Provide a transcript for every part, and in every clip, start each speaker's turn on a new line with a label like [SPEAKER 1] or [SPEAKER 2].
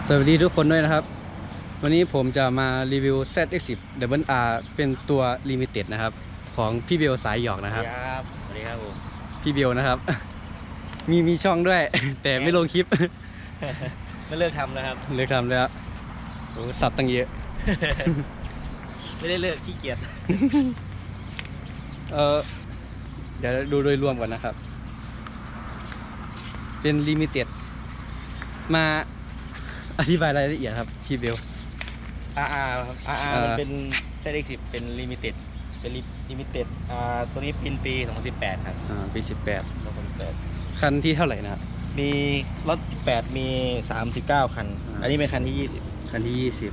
[SPEAKER 1] สวัสดีทุกคนด้วยนะครับวันนี้ผมจะมารีวิว ZX10 Double R เป็นตัว Limited นะครับของพี่เบลสายหยอกนะครับ
[SPEAKER 2] สวัสดีครับผม
[SPEAKER 1] พี่เบลนะครับ มีช่องด้วย แต่ไม่ลงคลิป
[SPEAKER 2] ไม่เลิกทำนะครับ
[SPEAKER 1] เลิกทำแล้วโอ้สับตั้งเยอะ
[SPEAKER 2] ไม่ได้เลิกขี้เกียจ
[SPEAKER 1] เดี๋ยวดูโดยรวมก่อนนะครับเป็น Limited มาอธิบายรายละเอียดครับพี่เบล
[SPEAKER 2] RR ครับ RR มันเป็น ZX10 เป็น Limited เป็น Limited ตัวนี้ปี2018ครับ
[SPEAKER 1] ปี
[SPEAKER 2] 2018
[SPEAKER 1] คันที่เท่าไหร่นะครับ
[SPEAKER 2] มีรถ18มี39คันอันนี้เป็นคันที่20
[SPEAKER 1] คันที่20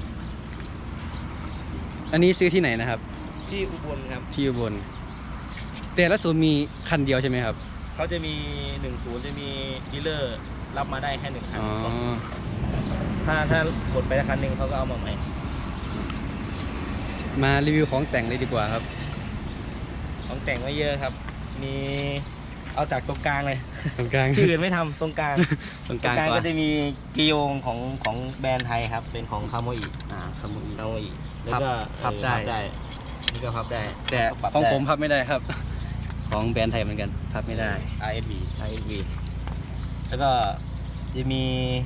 [SPEAKER 1] อันนี้ซื้อที่ไหนนะครับ
[SPEAKER 2] ที่อุบลครับ
[SPEAKER 1] ที่อุบลแต่ละศูนย์มีคันเดียวใช่ไหมครับ
[SPEAKER 2] เขาจะมี10จะมีดีลเลอร์รับมาได้แค่1คันถ้าหมดไปแล้วคันหนึ่งเขาก็เอามาใหม่
[SPEAKER 1] มารีวิวของแต่งเลยดีกว่าครับ
[SPEAKER 2] ของแต่งไม่เยอะครับมีเอาจากตรงกลางเลย
[SPEAKER 1] ตรงกลาง
[SPEAKER 2] ที่อื่นไม่ทำตรงกลาง
[SPEAKER 1] ตรงกลาง
[SPEAKER 2] ก็จะมีกิโยงของแบรนด์ไทยครับเป็นของคาโมอิ
[SPEAKER 1] คาโม
[SPEAKER 2] อิแล้วก็
[SPEAKER 1] พับได้
[SPEAKER 2] นี่ก็พับได้
[SPEAKER 1] แต่ของผมพับไม่ได้ครับของแบรนด์ไทยเหมือนกันพับไม่ได้
[SPEAKER 2] RSV แล้วก็จะมี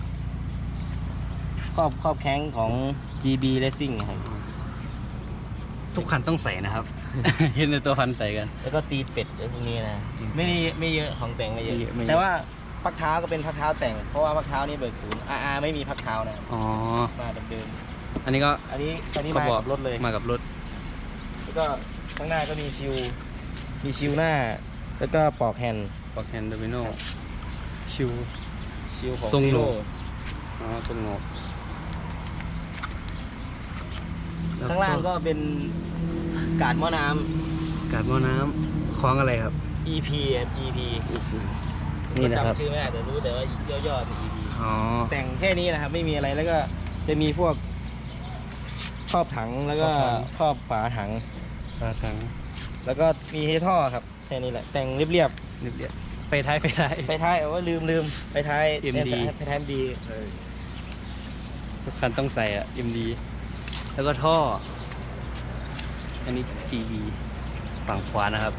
[SPEAKER 2] ครอบแข้งของ GB Racing ครับ
[SPEAKER 1] ทุกคันต้องใส่นะครับ เห็นในตัวคันใส่กัน
[SPEAKER 2] แล้วก็ตีเป็ดพวกนี้นะไม่เยอะของแต่งไม่เยอะแต่ว่าพักเท้าก็เป็นพักเท้าแต่งเพราะว่าพักเท้านี่เบิกศูนย์ RR ไม่มีพักเท้านะมาเดิม
[SPEAKER 1] อันนี้มา
[SPEAKER 2] กับรถเลย
[SPEAKER 1] มากับรถ
[SPEAKER 2] แล้วก็ข้างหน้าก็มีชิวหน้าแล้วก็ปอกแฮนด์
[SPEAKER 1] โดมิโนชิว
[SPEAKER 2] ของ
[SPEAKER 1] ทรงโหนก
[SPEAKER 2] ข้างล่างก็เป็นกาดหม้อน้
[SPEAKER 1] ำคล้องอะไรครับ
[SPEAKER 2] EP
[SPEAKER 1] นี่นะครับ
[SPEAKER 2] จำชื่อไม่ได้แต่รู้แต่ว่าย่อๆเป็น EP แต่งแค่นี้นะครับไม่มีอะไรแล้วก็จะมีพวกครอบถังแล้วก็ครอบฝาถังแล้วก็มีเฮท่อครับแค่นี้แหละแต่งเรียบ
[SPEAKER 1] ไฟท้าย
[SPEAKER 2] เอาว่าลืมไฟท้าย
[SPEAKER 1] MD ทุกคันต้องใส่MD แล้วก็ท่ออันนี้ GB ฝั่งขวานะครับ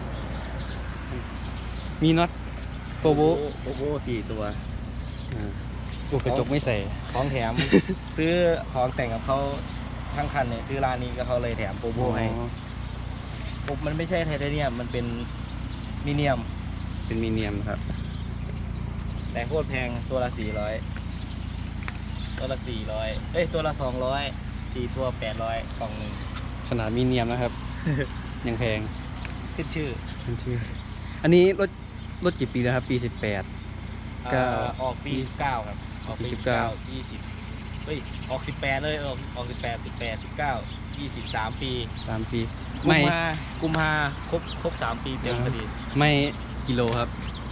[SPEAKER 1] มีน็อตโกโบ
[SPEAKER 2] 4 ตัว
[SPEAKER 1] กระจกไม่ใส่
[SPEAKER 2] ของแถม ซื้อของแต่งกับเขาทั้งคันเนี่ยซื้อร้านนี้ก็เขาเลยแถมโกโบให้มันไม่ใช่ไทเทเนียมมันเป็นมีเนียม
[SPEAKER 1] ครับ
[SPEAKER 2] แต่โคตรแพงตัวละ400ตัวละ200 4 ตัว800กล่องหนึ่ง
[SPEAKER 1] ขนาดมีเนียมนะครับ ยังแพง
[SPEAKER 2] ขึ้นชื่อ
[SPEAKER 1] อันนี้รถกี่ปีแล้วครับปี
[SPEAKER 2] 18ก็ออกปี19ครับออกปี19 20ออก18เลยออก18 19 20 3 ปีกุมภาครบ3 ปีเต็มพอดี
[SPEAKER 1] ไม่กิโลครับ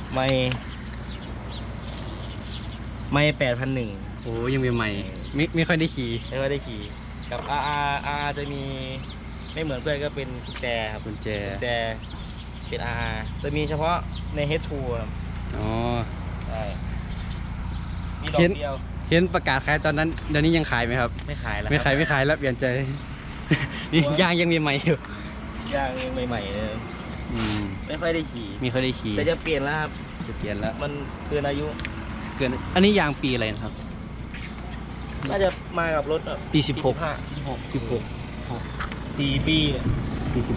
[SPEAKER 2] ไม่ 8,100
[SPEAKER 1] โอ้ยังเป็นใหม่ไม่ค่อยได้ขี่
[SPEAKER 2] กับ RR จะมีไม่เหมือนเพื่อนก็เป็นกุญแจครับเป็น RR จะมีเฉพาะใน H2 ครับใช่มีดอกเดียว
[SPEAKER 1] เห็นประกาศขายตอนนั้นเดี๋ยวนี้ยังขายไหมครับ
[SPEAKER 2] ไม่ขายแล้ว
[SPEAKER 1] แล้วเปลี่ยนใจนี่ยางยังมีใหม่อยู่
[SPEAKER 2] ยางยังใหม่ๆเลยไม่ค่อยได้ขี่แต่จะเปลี่ยนแล้วครับมันเกินอายุ
[SPEAKER 1] อันนี้ยางปีอะไรนะครับ
[SPEAKER 2] น่าจะมากับรถ
[SPEAKER 1] ปี16
[SPEAKER 2] 4 ปี
[SPEAKER 1] ปี16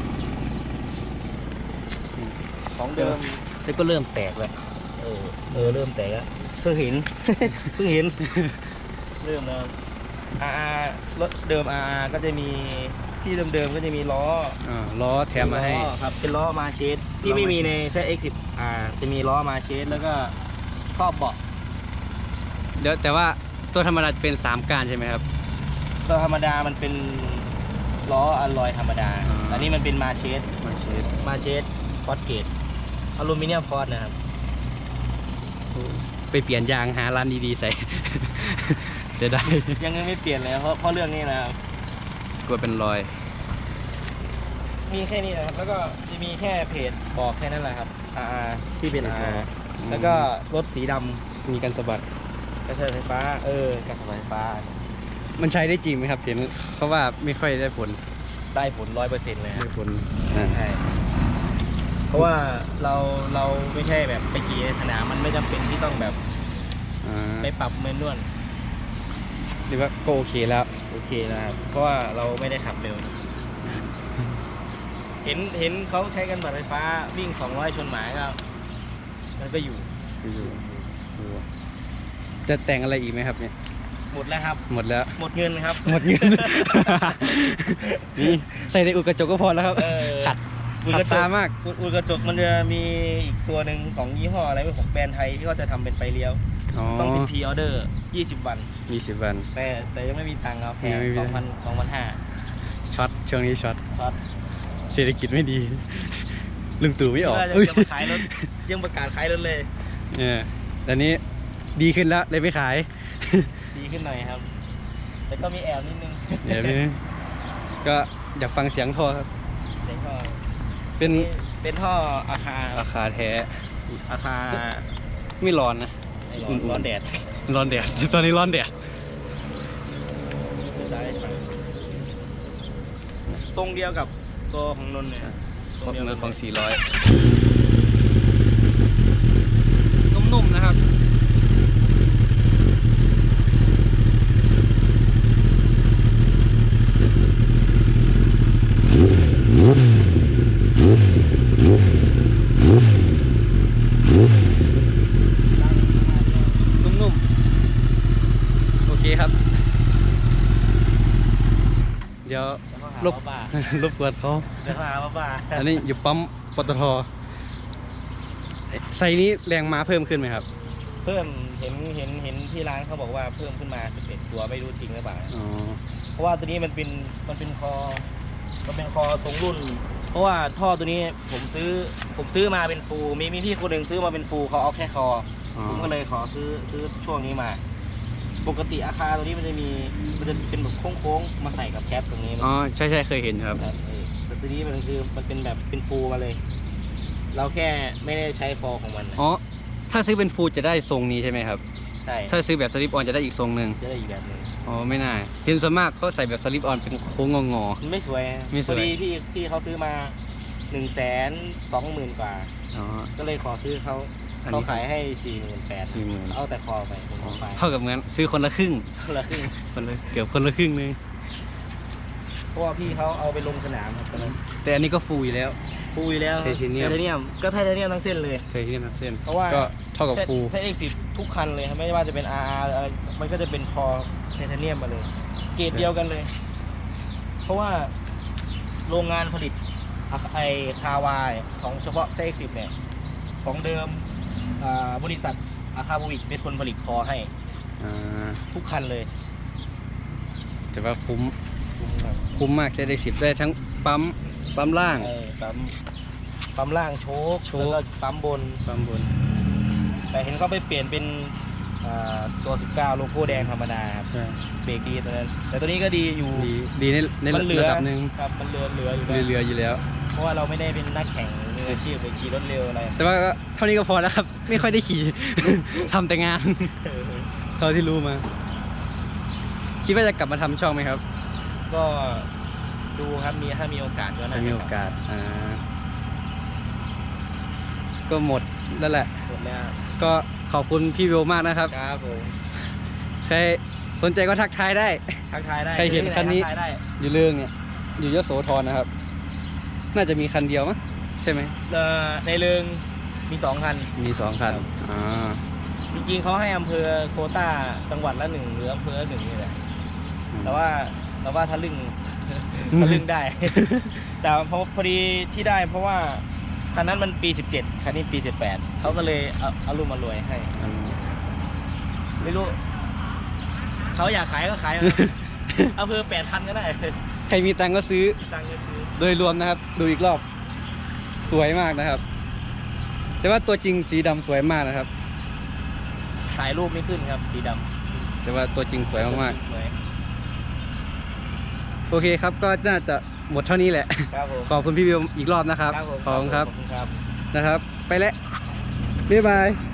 [SPEAKER 2] ของเดิม
[SPEAKER 1] แล้วก็เริ่มแตกแล้ว
[SPEAKER 2] เริ่มแตกแล้วเพิ่งเห็นเริ่มแล้วรถเดิม RR ก็จะมีที่เดิมก็จะมี
[SPEAKER 1] ล้อแถมมาให้
[SPEAKER 2] ครับเป็นล้อมาเชสที่ไม่มีใน ZX10 จะมีล้อมาเชสแล้วก็ครอบเบาะ
[SPEAKER 1] เดี๋ยวแต่ว่าตัวธรรมดาเป็น3ก้านใช่ไหมครับ
[SPEAKER 2] ตัวธรรมดามันเป็นล้ออลลอยธรรมดาอันนี้มันเป็นมาเชสฟอสเกตอลูมิเนียมฟอสนะครับ
[SPEAKER 1] ไปเปลี่ยนยางหาร้านดีๆใส่ เสียดาย
[SPEAKER 2] ยังไม่เปลี่ยนเลยเพราะเรื่องนี้นะครับ
[SPEAKER 1] กลัวเป็นรอย
[SPEAKER 2] มีแค่นี้นะครับแล้วก็จะมีแค่เพจบอกแค่นั้นแหละครับที่เป็น RR แล้วก็รถสีดำ
[SPEAKER 1] มีกันสะบัด
[SPEAKER 2] กระเทือนไฟฟ้ากระเทือนไฟฟ้า
[SPEAKER 1] มันใช้ได้จริงไหมครับเห็นเขาว่าไม่ค่อยได้ผล
[SPEAKER 2] ได้ผล100%เลย
[SPEAKER 1] ได้ผล
[SPEAKER 2] ใช่เพราะว่าเราไม่ใช่แบบไปขี่ในสนามมันไม่จำเป็นที่ต้องแบบ ไปปรับเมนนวล
[SPEAKER 1] หรือว่าก็โอเคแล้ว
[SPEAKER 2] โอเคนะครับเพราะว่าเราไม่ได้ขับเร็ว เห็นเขาใช้กันบัตรไฟฟ้าวิ่ง200ชนหมาก็มันก็อยู่
[SPEAKER 1] จะแต่งอะไรอีกไหมครับเนี่ย
[SPEAKER 2] หมดแล้วครับ
[SPEAKER 1] หมดแล้ว
[SPEAKER 2] หมดเงินครับ
[SPEAKER 1] หมดเงิน นี่ใส่ในอุดกระจกก็พอแล้วครับขัดตามาก
[SPEAKER 2] อุดกระจกมันจะมีอีกตัวหนึ่งของยี่ห้ออะไรไม่ของแบรนด์ไทยที่เขาจะทำเป็นไฟเลี้ยวต้องเป็นพรีออเดอร์20 วัน
[SPEAKER 1] 20 วัน
[SPEAKER 2] แต่ยังไม่มีตังค์ครับแพง 2,500
[SPEAKER 1] ช็อตช่วงนี้ช็อต
[SPEAKER 2] ช็อต
[SPEAKER 1] เศรษฐกิจไม่ดี ลุงตู่ไม่ออก
[SPEAKER 2] จะมาขายรถยังประกาศขายรถเลย
[SPEAKER 1] แต่นี้ดีขึ้นแล้วเลยไม่ขาย
[SPEAKER 2] ดีขึ้นหน่อยครับ แต่ก็มีแอบนิดนึง
[SPEAKER 1] เดี๋ยวนี้ก็อยากฟังเสียงท่อครับ
[SPEAKER 2] เสียงท่อ
[SPEAKER 1] เป็น
[SPEAKER 2] ท่ออาคา
[SPEAKER 1] ราคาแท้
[SPEAKER 2] อาคา
[SPEAKER 1] ไม่ร้อนนะ
[SPEAKER 2] ร้อนแดด
[SPEAKER 1] ร้อนแดด ตอนนี้ร้อนแดด
[SPEAKER 2] ทรงเดียวกับตัวของนนท์เลย
[SPEAKER 1] ของเนื้อของ400 นุ่มๆนะครับนุ่มๆโอเคครับ เดี๋ยวรบกวนเขา
[SPEAKER 2] เดี๋ยวหาบ้า
[SPEAKER 1] อันนี้อยู่ปั๊มปตทไซนี้แรงม้าเพิ่มขึ้นไหมครับ
[SPEAKER 2] เพิ่มเห็นที่ร้านเขาบอกว่าเพิ่มขึ้นมา11ตัวไม่รู้จริงหรือเปล่า เพราะว่าตัวนี้มันเป็นคอตรงรุ่น เพราะว่าท่อตัวนี้ผมซื้อมาเป็นฟูลมีพี่คนหนึ่งซื้อมาเป็นฟูลเขาเอาแค่คอผมก็เลยขอซื้อช่วงนี้มา ปกติอาคารตัวนี้มันจะเป็นแบบโค้งๆมาใส่กับแคปตรงนี้
[SPEAKER 1] อ๋อใช่เคยเห็นครับ
[SPEAKER 2] แต่ตัวนี้มันเป็นแบบเป็นฟูลมาเลย เราแค่ไม่ได้ใช้คอของมัน
[SPEAKER 1] อ๋อถ้าซื้อเป็นฟูลจะได้ทรงนี้ใช่ไหมครับ
[SPEAKER 2] ใช่
[SPEAKER 1] ถ้าซื้อแบบสลิปออนจะได้อีกทรงหนึ่ง
[SPEAKER 2] จะได้อีกแบบหนึง
[SPEAKER 1] อ๋อไม่น่าเห็นส่วนมากเขาใส่แบบสลิปออนเป็นโค้งงอ
[SPEAKER 2] มันไม่สวย
[SPEAKER 1] ไม่สวย
[SPEAKER 2] พอดีพี่เขาซื้อมา120,000 กว่า
[SPEAKER 1] ๆอ๋อ
[SPEAKER 2] ก็เลยขอซื้อเขา
[SPEAKER 1] อันนี้
[SPEAKER 2] เขาขายให้48,000
[SPEAKER 1] 40,000
[SPEAKER 2] เอาแต่คอไปผมเอาไป
[SPEAKER 1] เท่ากับเงินซื้อคนละครึ่ง
[SPEAKER 2] คนละครึ่ง
[SPEAKER 1] เกือบคนละครึ่งนึง
[SPEAKER 2] เพราะว่าพี่เขาเอาไปลงสนามครับตอนนั้น
[SPEAKER 1] แต่อันนี้ก็ฟูอยู่แล้ว
[SPEAKER 2] ฟูอยู่แล้ว
[SPEAKER 1] ไทเทเนียม
[SPEAKER 2] ก็ไทเทเนียมทั้งเส้นเลย
[SPEAKER 1] เคยที่นับเส้น
[SPEAKER 2] เพราะว่า
[SPEAKER 1] ก็เท่ากับฟูล
[SPEAKER 2] ใช้ X10 ทุกคันเลยครับไม่ว่าจะเป็น RR อะไรมันก็จะเป็นคอไทเทเนียมมาเลย เกรดเดียวกันเลย เพราะว่าโรงงานผลิตไอคาวายของเฉพาะไซ X10 เนี่ยของเดิมบริษัทอาคาบูวิกเป็นคนผลิตคอให้ ทุกคันเลย
[SPEAKER 1] แต่ว่าคุ้มมากจะได้10ได้ทั้งปั๊มล่าง
[SPEAKER 2] ปั๊มล่างโชคแล้วก็ปั๊มบน แต่เห็นเขาไปเปลี่ยนเป็นตัว19โลโก้แดงธรรมดาครับ
[SPEAKER 1] ใช่
[SPEAKER 2] เบรกดีตอนนั้นแต่ตัวนี้ก็ดีอยู่
[SPEAKER 1] ดีใน
[SPEAKER 2] มันเหลือ
[SPEAKER 1] ระดับหนึ่ง
[SPEAKER 2] ครับมันเหลืออยู่แล้ว
[SPEAKER 1] เหลืออยู่แล้ว
[SPEAKER 2] เพราะว่าเราไม่ได้เป็นนักแข่งมืออาชีพไปขี่รถเร็วอะไร
[SPEAKER 1] แต่ว่าเท่านี้ก็พอแล้วครับ ไม่ค่อยได้ขี่ ทำแต่งาน เท่าที่รู้มา คิดว่าจะกลับมาทำช่องไหมครับ
[SPEAKER 2] ก็ดูครับถ้ามีโอกาสก็น่า
[SPEAKER 1] ถ้า
[SPEAKER 2] จะ
[SPEAKER 1] มีโอกาสก็หมดแล้วแหละ
[SPEAKER 2] หมดแล้ว
[SPEAKER 1] ก็ขอบคุณพี่วิวมากนะครับ
[SPEAKER 2] ครับผม
[SPEAKER 1] ใครสนใจก็ทักทายได้
[SPEAKER 2] ทักทายได้
[SPEAKER 1] ใครเห็นคันนี้
[SPEAKER 2] ทักทายได้
[SPEAKER 1] อยู่เรื่องเนี่ย อยู่ยโสธรนะครับ น่าจะมีคันเดียวมั้งใช่ไหม
[SPEAKER 2] ในเรืองมี2 คัน
[SPEAKER 1] มี2 คัน
[SPEAKER 2] ครับ จริงๆเขาให้อำเภอโควต้าจังหวัดละ1หรืออำเภอละ1นี่แหละแต่ว่าถ้าลึง ถ้าลึงได้ แต่พอดีที่ได้เพราะว่าคันนั้นมันปี17คันนี้ปี18เขาก็เลยเอารุ่มมารวยให้ ไม่รู้เขาอยากขายก็ขาย อำเภอ8 คันก็ได้
[SPEAKER 1] ใครมีตังค์ก็ซื้อ
[SPEAKER 2] ตังค์ก็ซื้อ
[SPEAKER 1] โดยรวมนะครับ ดูอีกรอบ สวยมากนะครับ แต่ว่าตัวจริงสีดำสวยมากนะครับ
[SPEAKER 2] ถ่ายรูปไม่ขึ้นครับสีดำ
[SPEAKER 1] แต่ว่าตัวจริงสวยมาก
[SPEAKER 2] สวย
[SPEAKER 1] ๆโอเคครับ ก็น่าจะหมดเท่านี้แหละ
[SPEAKER 2] ครับผม
[SPEAKER 1] ขอบคุณพี่วิวอีกรอบนะครับ
[SPEAKER 2] ครับผม
[SPEAKER 1] ขอบคุณครับ
[SPEAKER 2] ขอบคุณครับ
[SPEAKER 1] นะครับ ไปแล้วบ๊ายบาย